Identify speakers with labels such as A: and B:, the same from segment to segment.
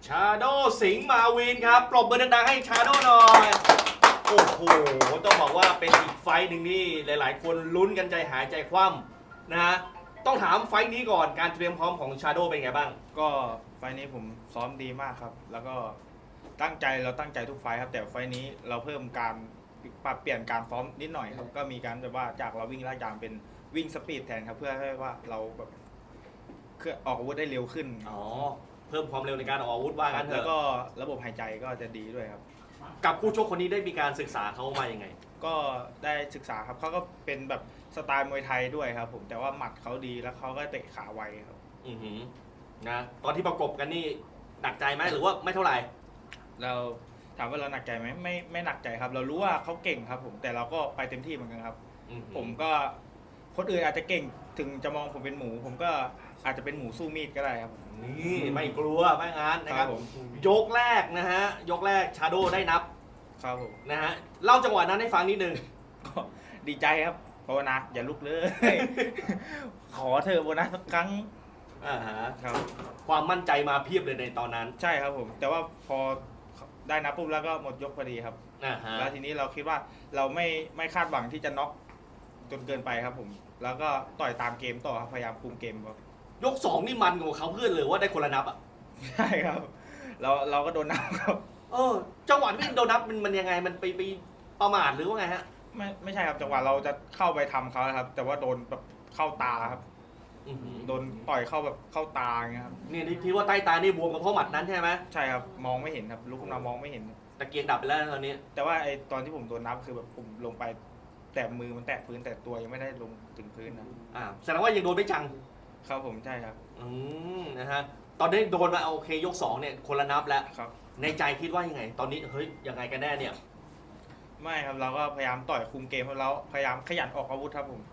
A: ชาโดสิงห์มาวินครับปรบมือดังๆให้ชาโดหน่อยโอ้โหต้องบอกว่าเป็นอีกไฟต์หนึ่งนี่หลายๆ คนลุ้นกันใจหายใจคว่ำนะฮะต้องถามไฟต์นี้ก่อนการเตรียมพร้อมของชาโดเป็นไงบ้าง
B: ก็ไฟล์นี้ผมซ้อมดีมากครับแล้วก็ตั้งใจทุกไฟล์ครับแต่ไฟล์นี้เราเพิ่มการปรับเปลี่ยนการซ้อมนิดหน่อยครับก็มีการแบบว่าจากเราวิ่งลาดยางเป็นวิ่งสปีดแทนครับเพื่อให้ว่าเราแบบออกอาวุธได้เร็วขึ้น
A: อ๋อเพิ่มความเร็วในการออกอาวุธว่างั้นเถอะ
B: แล้วก็ระบบหายใจก็จะดีด้วยครับ
A: กับคู่ชกคนนี้ได้มีการศึกษาเขามายังไง
B: ก็ได้ศึกษาครับเขาก็เป็นแบบสไตล์มวยไทยด้วยครับผมแต่ว่าหมัดเขาดีแล้วเขาก็เตะขาไวครับ
A: นะตอนที่ประกบกันนี่หนักใจไหมหรือว่าไม่เท่าไหร่
B: เราถามว่าเราหนักใจไหมไม่หนักใจครับเรารู้ว่าเขาเก่งครับผมแต่เราก็ไปเต็มที่เหมือนกันครับผมก็คนอื่นอาจจะเก่งถึงจะมองผมเป็นหมูผมก็อาจจะเป็นหมูสู้มีดก็ได้ครับ
A: นี่ไม่กลัวไม่งั้นนะครับยกแรกนะฮะยกแรกชาโดได้นับ
B: ครับผม
A: นะฮะเล่าจังหวะนั้นให้ฟังนิดนึง
B: ก็ดีใจครับภาวนาอย่าลุกเลย ขอเธอโบนัสสักครั้ง
A: ครับความมั่นใจมาเพียบเลยในตอนนั้น
B: ใช่ครับผมแต่ว่าพอได้นับปุ๊บแล้วก็หมดยกพอดีครับแล้วทีนี้เราคิดว่าเราไม่คาดหวังที่จะน็อกจนเกินไปครับผมแล้วก็ต่อยตามเกมต่อครับพยายามคุมเกมครับ
A: ยก2นี่มันกว่าเขาเพื่อนเลยว่าได้คนละนับอ่ะ
B: ใช่ครับเราก็โดนนับครับ
A: จังหวะที่โดนนับมันยังไงมันไปประมาทหรือว่าไงฮะ
B: ไม่ใช่ครับจังหวะเราจะเข้าไปทำเขาครับแต่ว่าโดนแบบเข้าตาครับโดนต่อยเข้าแบบเข้าตาอย่างเงี้ยครับ
A: นี่ที่ว่าใต้ตานี่บวมกับเพราะหมัดนั้นใช่ไหม
B: ใช่ครับมองไม่เห็นครับลุกขึ้นมามองไม่เห็น
A: ตะเกียงดับไปแล้วตอนนี้
B: แต่ว่าไอตอนที่ผมโดนนับคือแบบผมลงไปแต่มือมันแตะพื้นแต่ตัวยังไม่ได้ลงถึงพื้นนะ
A: แสดงว่ายังโดนไม่จัง
B: ครับผมใช่ครับ
A: นะฮะตอนนี้โดนมาโอเคยก2เนี่ยคนละนับแล้ว
B: ครับ
A: ในใจคิดว่ายังไงตอนนี้เฮ้ยยังไงกันแน่เนี่ย
B: ไม่ครับเราก็พยายามต่อยคุมเกมแล้วพยายามขยันออกอาวุธครับผม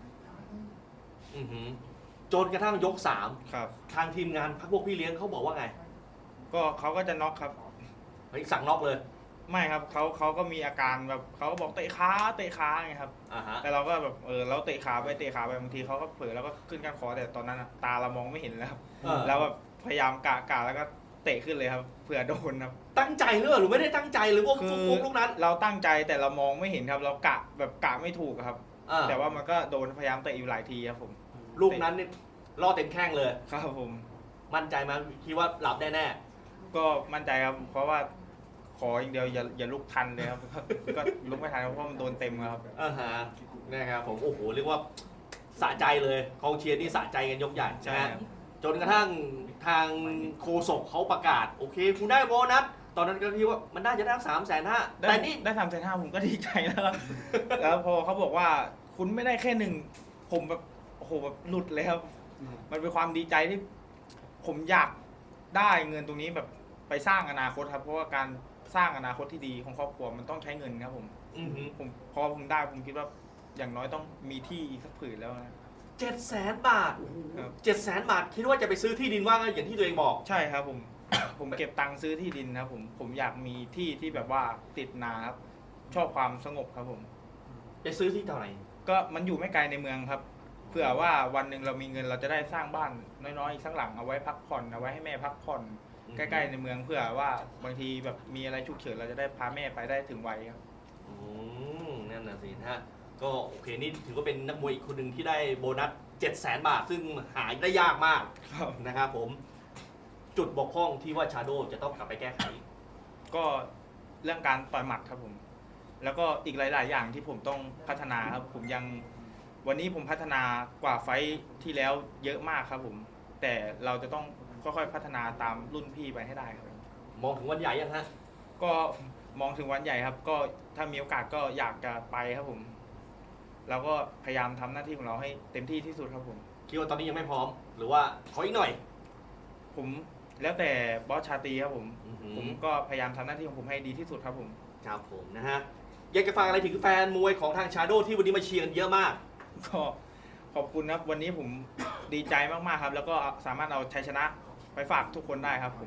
A: จนกระทั่งยก3
B: ครับ
A: ทางทีมงานพวกพี่เลี้ยงเขาบอกว่าไง
B: ก็เขาก็จะน็อกครับ
A: เฮ้ยสั่งน็อกเลย
B: ไม่ครับเขาก็มีอาการแบบเขาก็บอกเตะขาไงครับแต่เราก็แบบเราเตะขาไปบางทีเขาก็เผลอแล้วก็ขึ้นก้านคอแต่ตอนนั้นตาเรามองไม่เห็นแล้วครับแล้วแบบพยายามกะแล้วก็เตะขึ้นเลยครับเผื่อโดนครับ
A: ตั้งใจหรือไม่ได้ตั้งใจหรือว่าฟุกลูกนั้น
B: เราตั้งใจแต่เรามองไม่เห็นครับเรากะไม่ถูกครับแต่ว่ามันก็โดนพยายามเตะอยู่หลายทีครับผม
A: ลูกนั้นนี่ล่อเต็มแข้งเลย
B: ครับผม
A: มั่นใจมั้ยคิดว่าหลับแน่
B: ก็มั่นใจครับเพราะว่าขออย่างเดียวอย่าลุกทันเลยครับก็ลุกไม่ทันเพราะมันโดนเต็มครับ
A: นะครับผมโอ้โหเรียกว่าสะใจเลยกองเชียร์นี่สะใจกันยกใหญ่
B: ใช่ครับ
A: จนกระทั่งทางโฆษกเขาประกาศโอเคคุณได้โบนัสตอนนั้นก็คิดว่ามันน่าจะได้350,000แต่นี่
B: ได้350,000ผมก็ดีใจแล้วครับแล้วพอเขาบอกว่าคุณไม่ได้แค่1ผมแบบโอ้โหแบบหลุดเลยครับมันเป็นความดีใจที่ผมอยากได้เงินตรงนี้แบบไปสร้างอนาคตครับเพราะว่าการสร้างอนาคตที่ดีของครอบครัวมันต้องใช้เงินครับผมพอผมได้ผมคิดว่าอย่างน้อยต้องมีที่อีกสักผืนแล้วนะ
A: 700,000 บาท700,000 บาทคิดว่าจะไปซื้อที่ดินว่าอย่างที่ตัวเองบอก
B: ใช่ครับผมเก็บตังค์ซื้อที่ดินครับผมอยากมีที่ที่แบบว่าติดนาครับชอบความสงบครับผม
A: จะซื้อที่เท่าไหร่
B: ก็มันอยู่ไม่ไกลในเมืองครับเผื่อว่าวันหนึ่งเรามีเงินเราจะได้สร้างบ้านน้อยๆอีกสักหลังเอาไว้พักผ่อนเอาไว้ให้แม่พักผ่อนใกล้ๆในเมืองเพื่อว่าบางทีแบบมีอะไรฉุกเฉินเราจะได้พาแม่ไปได้ถึงไวครับ
A: นั่นน่ะสิฮะก็โอเคนี่ถือว่าเป็นนักมวยอีกคนหนึ่งที่ได้โบนัส700,000 บาทซึ่งหาได้ยากมากนะครับผมจุดบกพร่องที่ว่าชาโดจะต้องกลับไปแก้ไข
B: ก็เรื่องการต่อยหมัดครับผมแล้วก็อีกหลายๆอย่างที่ผมต้องพัฒนาครับผมยังวันนี้ผมพัฒนากว่าไฟท์ที่แล้วเยอะมากครับผมแต่เราจะต้องค่อยๆพัฒนาตามรุ่นพี่ไปให้ได้ครับ
A: มองถึงวันใหญ่ยังฮะ
B: ก็มองถึงวันใหญ่ครับก็ถ้ามีโอกาสก็อยากจะไปครับผมเราก็พยายามทำหน้าที่ของเราให้เต็มที่ที่สุดครับผม
A: คิดว่าตอนนี้ยังไม่พร้อมหรือว่าขออีกหน่อย
B: ผมแล้วแต่บอสชาตรีครับผมก็พยายามทำหน้าที่ของผมให้ดีที่สุดครับผม
A: ครับผมนะฮะอยากจะฝากอะไรถึงแฟนมวยของทางชาโดที่วันนี้มาเชียร์กันเยอะมาก
B: ก็ขอบคุณครับวันนี้ผมดีใจมากๆครับแล้วก็สามารถเอาชัยชนะไปฝากทุกคนได้ครับ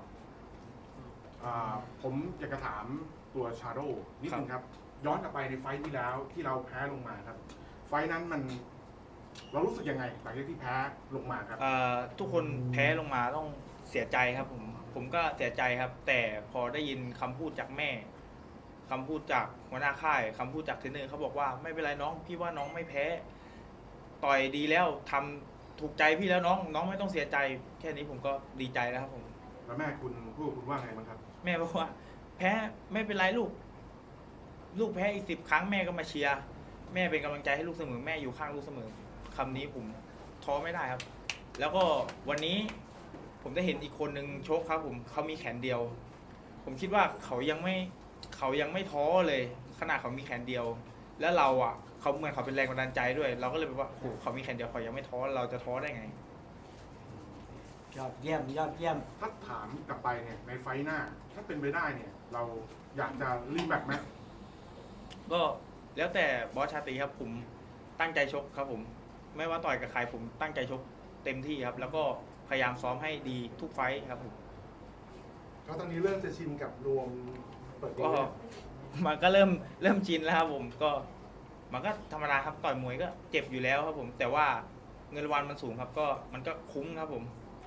C: ผมอยากจะถามตัวชาโดนิดนึงครับย้อนกลับไปในไฟท์ที่แล้วที่เราแพ้ลงมาครับไฟท์นั้นเรารู้สึกยังไงหลังจากที่แพ้ลงมาครับ
B: ทุกคนแพ้ลงมาต้องเสียใจครับผมผมก็เสียใจครับ แต่พอได้ยินคำพูดจากแม่คำพูดจากหัวหน้าค่ายคำพูดจากเทรนเนอร์เขาบอกว่าไม่เป็นไรน้องพี่ว่าน้องไม่แพ้ ต่อยดีแล้วทำถูกใจพี่แล้วน้องไม่ต้องเสียใจแค่นี้ผมก็ดีใจแล้วครับผม
C: แล้วแม่คุณพูดกับคุณว่าไงบ้างครับ
B: แม่บอกว่า แพ้ไม่เป็นไรลูก ลูกแพ้อีก10 ครั้งแม่ก็มาเชียร์แม่เป็นกำลังใจให้ลูกเสมอแม่อยู่ข้างลูกเสมอคำนี้ผมท้อไม่ได้ครับ แล้วก็วันนี้ผมได้เห็นอีกคนนึงชกครับผมเขามีแขนเดียว ผมคิดว่าเขายังไม่ท้อเลยขนาดเขามีแขนเดียว แล้วเราอ่ะเขาเหมือนเขาเป็นแรงบันดาลใจด้วย เราก็เลยแบบว่าโอ้โหเขามีแขนเดียวเขายังไม่ท้อเราจะท้อได้ไง
D: ยอดเยี่ยมยอดเยี่ยม
C: ถ้าถามกลับไปเนี่ยในไฟท์หน้า ถ้าเป็นไปได้เนี่ย เราอยากจะรีแมตช์ไหม
B: ก็แล้วแต่บอสชาตรีครับผมตั้งใจชกครับผม ไม่ว่าต่อยกับใครผมตั้งใจชกเต็มที่ครับ แล้วก็พยายามซ้อมให้ดีทุกไฟท์ครับผม
E: แล้วตอนนี้เริ่มจะชินกับรวมเปิด
B: ก็
E: ตัว
B: มันก็เริ่มชินแล้วครับผมก็มันก็ธรรมดาครับต่อยมวยก็เจ็บอยู่แล้วครับผม แต่ว่าเงินรางวัลมันสูงครับก็มันก็คุ้มครับผม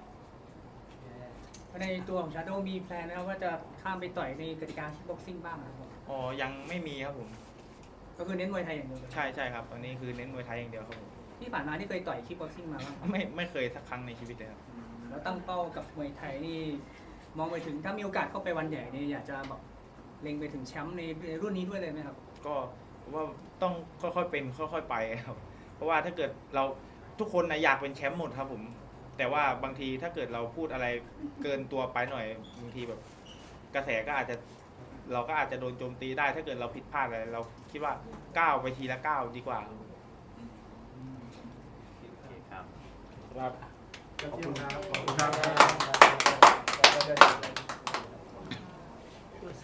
F: ในตัวของชาโดมีแพลนนะครับว่าจะข้ามไปต่อยในกติกาคิกบ็อกซิ่งบ้างนะครับ
B: อ๋อยังไม่มีครับผม
F: ก็คือเน้นมวยไทยอย่างเดียวเลย
B: ใช่ครับตอนนี้คือเน้นมวยไทยอย่างเดียวครับผม
F: ที่ผ่านมาที่เคยต่อยคิกบ็อกซิ่งมาบ้างครับ
B: ไม่เคยสักครั้งในชีวิตเลยครับ
F: แล้วตั้งเป้ากับมวยไทยนี่มองไปถึงถ้ามีโอกาสเข้าไปวันใหญ่นี่อยากจะแบบเล็งไปถึงแชมป์ในรุ่นนี้ด้วยเลยไหมครับ
B: ก็ว่าต้องค่อยๆเป็นค่อยๆไปครับเพราะว่าถ้าเกิดเราทุกคนนะอยากเป็นแชมป์หมดครับผม แต่ว่าบางทีถ้าเกิดเราพูดอะไรเกินตัวไปหน่อยบางทีแบบกระแสก็อาจจะเราก็อาจจะโดนโจมตีได้ ถ้าเกิดเราผิดพลาดอะไรเราคิดว่าก้าวไปทีละก้าวดีกว่า
E: ครับ
C: ขอบคุณครับ